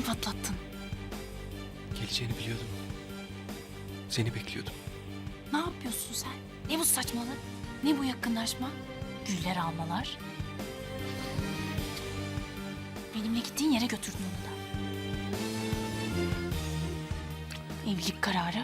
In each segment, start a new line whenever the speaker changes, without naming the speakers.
ödümü patlattın.
Geleceğini biliyordum. Seni bekliyordum.
Ne yapıyorsun sen? Ne bu saçmalık? Ne bu yakınlaşma? Güller almalar. Benimle gittiğin yere götürdün onu da. Evlilik kararı.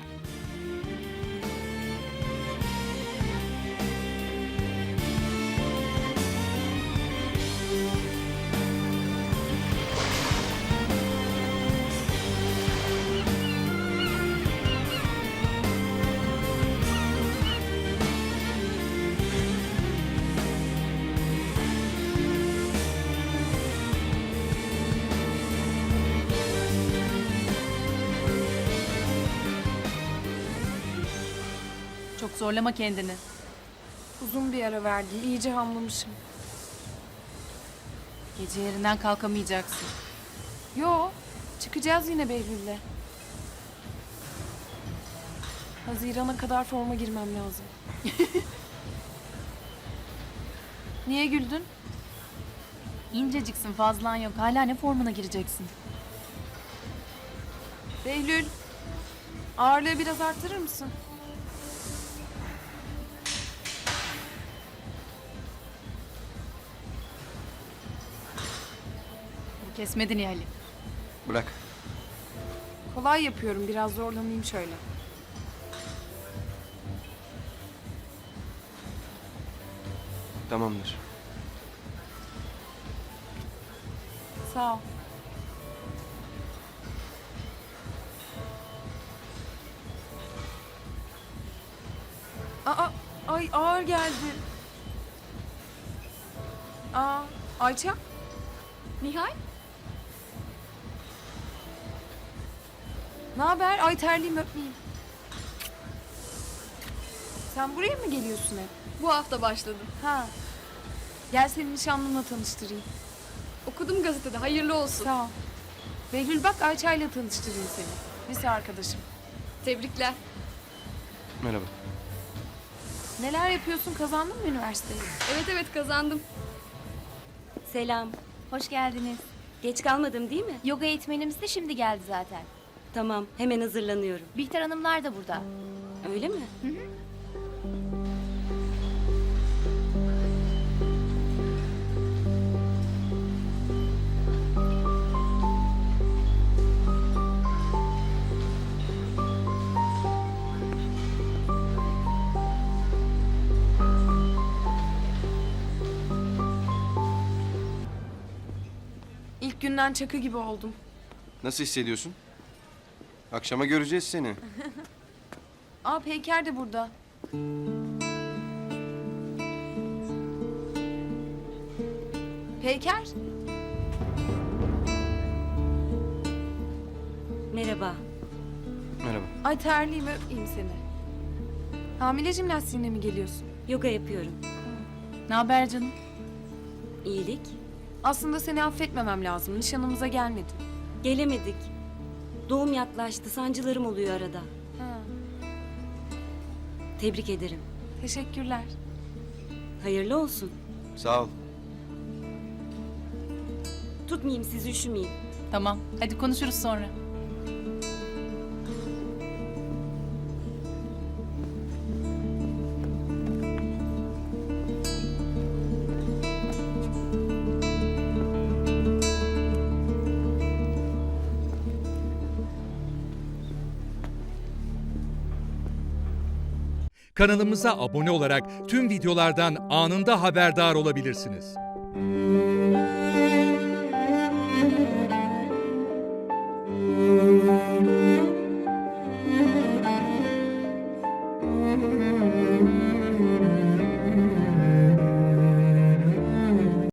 Çok zorlama kendini.
Uzun bir ara verdim. İyice hamlamışım.
Gece yerinden kalkamayacaksın.
Yo, çıkacağız yine Behlül'le. Haziran'a kadar forma girmem lazım. Niye güldün?
İnceciksin, fazlan yok. Hala ne formuna gireceksin?
Behlül, ağırlığı biraz arttırır mısın?
Bu kesmedi Nihal'i.
Bırak.
Kolay yapıyorum, biraz zorlanayım şöyle.
Tamamdır.
Sağ ol. Aa, ay ağır geldi. Ayça?
Nihal?
Ne haber? Ay terliyim, öpmeyeyim. Sen buraya mı geliyorsun hep?
Bu hafta başladım.
Ha. Gel seni nişanlımla tanıştırayım.
Okudum gazetede. Hayırlı olsun.
Sağ ol. Behlül bak, Ayça'yla tanıştırayım seni. Lise arkadaşım.
Tebrikler.
Merhaba.
Neler yapıyorsun? Kazandın mı üniversiteyi?
Evet kazandım.
Selam.
Hoş geldiniz.
Geç kalmadım değil mi?
Yoga eğitmenimiz de şimdi geldi zaten.
Tamam, hemen hazırlanıyorum.
Bihter Hanımlar da burada.
Öyle mi?
İlk günden çakı gibi oldum.
Nasıl hissediyorsun? Akşama göreceğiz seni.
Aa, Peyker de burada. Peyker?
Merhaba.
Merhaba.
Ay terliyim, öpeyim seni. Hamile jimnastiğine mi geliyorsun?
Yoga yapıyorum.
Ne haber canım?
İyilik.
Aslında seni affetmemem lazım. Nişanımıza gelmedin.
Gelemedik. Doğum yaklaştı, sancılarım oluyor arada.
Ha,
Tebrik ederim.
teşekkürler.
Hayırlı olsun.
Sağ ol.
Tutmayayım sizi, üşümeyin.
Tamam. Hadi konuşuruz sonra.
Kanalımıza abone olarak tüm videolardan anında haberdar olabilirsiniz.